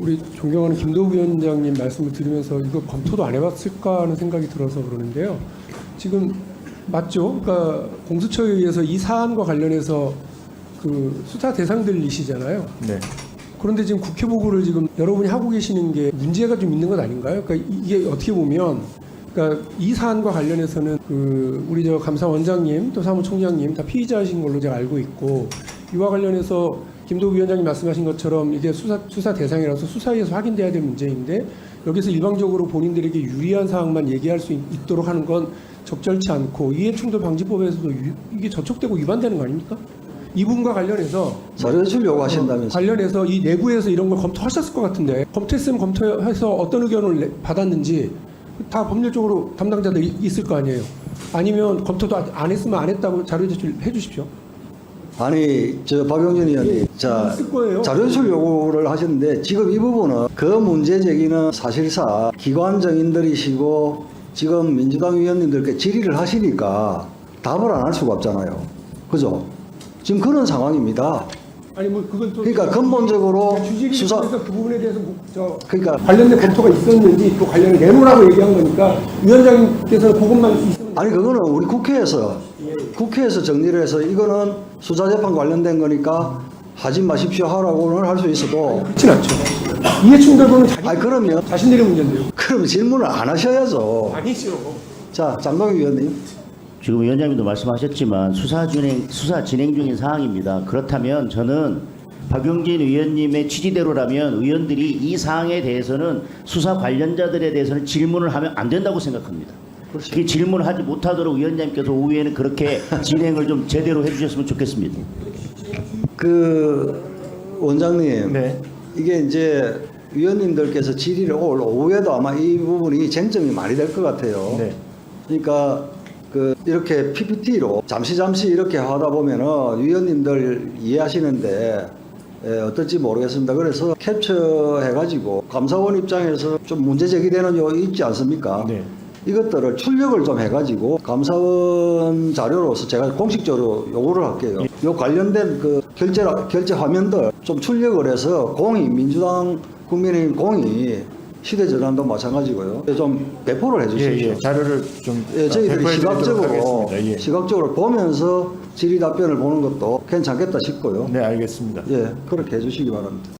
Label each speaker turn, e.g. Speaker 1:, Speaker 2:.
Speaker 1: 우리 존경하는 김도우 위원장님 말씀을 들으면서 이거 검토도 안 해봤을까 하는 생각이 들어서 그러는데요. 지금 맞죠? 그러니까 공수처에 의해서 이 사안과 관련해서 그 수사 대상들이시잖아요.
Speaker 2: 네.
Speaker 1: 그런데 지금 국회 보고를 지금 여러분이 하고 계시는 게 문제가 좀 있는 것 아닌가요? 그러니까 이게 어떻게 보면 그러니까 이 사안과 관련해서는 그 우리 저 감사원장님 또 사무총장님 다 피의자이신 걸로 제가 알고 있고 이와 관련해서 김도우 위원장님 말씀하신 것처럼 이게 수사 대상이라서 수사에서 확인돼야 될 문제인데 여기서 일방적으로 본인들에게 유리한 사항만 얘기할 수 있도록 하는 건 적절치 않고 이해충돌 방지법에서도 이게 저촉되고 위반되는 거 아닙니까? 이 부분과 관련해서
Speaker 3: 자료 제출 요구하신다면서.
Speaker 1: 관련해서 이 내부에서 이런 걸 검토하셨을 것 같은데 검토했으면 검토해서 어떤 의견을 받았는지 다 법률적으로 담당자들이 있을 거 아니에요. 아니면 검토도 안 했으면 안 했다고 자료 제출해 주십시오.
Speaker 3: 아니 저 박용진 의원님 자
Speaker 1: 있을 거예요.
Speaker 3: 자료 제출 요구를 하셨는데 지금 이 부분은 그 문제 제기는 사실상 기관 정인들이시고 지금 민주당 의원님들께 질의를 하시니까 답을 안 할 수가 없잖아요. 그죠? 지금 그런 상황입니다.
Speaker 1: 아니 뭐 그건 또
Speaker 3: 그러니까 근본적으로
Speaker 1: 주질이
Speaker 3: 수사
Speaker 1: 그래서 그 부분에 대해서
Speaker 3: 그러니까
Speaker 1: 관련된 검토가 있었는지 또 관련을 내놓으라고 얘기한 거니까 위원장님께서 그것만 있으면
Speaker 3: 아니 그거는 우리 국회에서 정리를 해서 이거는 수사재판 관련된 거니까 하지 마십시오 하라고는 할 수 있어도
Speaker 1: 그렇진 않죠. 이해충돌은
Speaker 3: 아니 그러면
Speaker 1: 자신들의 문제인데요.
Speaker 3: 그럼 질문을 안 하셔야죠.
Speaker 1: 아니죠.
Speaker 3: 자 장동희 위원님.
Speaker 4: 지금 위원장님도 말씀하셨지만 수사 진행 중인 사항입니다. 그렇다면 저는 박용진 의원님의 취지대로라면 의원들이 이 사항에 대해서는 수사 관련자들에 대해서는 질문을 하면 안 된다고 생각합니다.
Speaker 3: 그렇죠.
Speaker 4: 그 질문을 하지 못하도록 위원장님께서 오후에는 그렇게 진행을 좀 제대로 해주셨으면 좋겠습니다.
Speaker 3: 그 원장님,
Speaker 2: 네.
Speaker 3: 이게 이제 위원님들께서 질의를 올 오후에도 아마 이 부분이 쟁점이 많이 될 것 같아요.
Speaker 2: 네.
Speaker 3: 그러니까 그 이렇게 PPT로 잠시 이렇게 하다 보면은 위원님들 이해하시는데 어떨지 모르겠습니다. 그래서 캡처해가지고 감사원 입장에서 좀 문제 제기되는 요 있지 않습니까?
Speaker 2: 네.
Speaker 3: 이것들을 출력을 좀 해가지고 감사원 자료로서 제가 공식적으로 요구를 할게요. 요 관련된 그 결제 화면들 좀 출력을 해서 민주당 국민의힘 공이 시대전환도 마찬가지고요. 좀 배포를 해주십시오.
Speaker 2: 자료를 좀
Speaker 3: 저희들이
Speaker 2: 배포해 드리도록
Speaker 3: 시각적으로
Speaker 2: 하겠습니다.
Speaker 3: 시각적으로 보면서 질의 답변을 보는 것도 괜찮겠다 싶고요.
Speaker 2: 네, 알겠습니다.
Speaker 3: 그렇게 해주시기 바랍니다.